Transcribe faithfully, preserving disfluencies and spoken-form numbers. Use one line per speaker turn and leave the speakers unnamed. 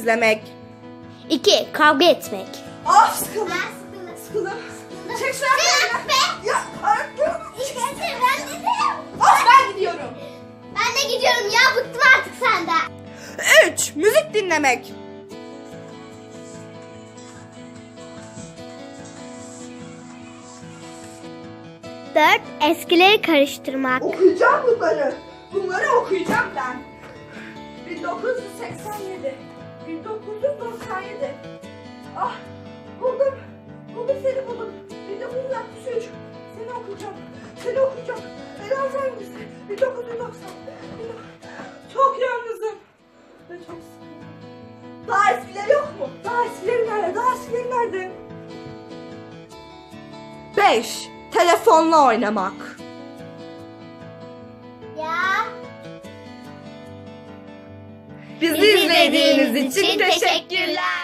izlemek.
iki. Kavga etmek.
Ah sıkıldım.
Ben sıkıldım.
Sıkıldım. Çek şu
Sıkıldım
ayaklarını.
be.
Ya ayaklarımı.
İşte ben dedim.
Ah ben gidiyorum.
Ben de gidiyorum ya, bıktım artık senden.
üç. Müzik dinlemek.
dört. Eskileri karıştırmak.
Okuyacağım bunları. Bunları okuyacağım ben. bin dokuz yüz seksen yedi. bin dokuz yüz doksan yedi. Ah buldum. Buldum seni buldum. bin dokuz yüz altmış üç. Seni okuyacağım. Seni okuyacağım. Beni hangisi? bin dokuz yüz doksan. Çok yalnızım. Ve çok sıkıldım. Daha eskileri yok mu? Daha eskileri nerede? Daha eskileri nerede? beş. Telefonla oynamak.
Ya.
Bizi izlediğiniz için teşekkürler.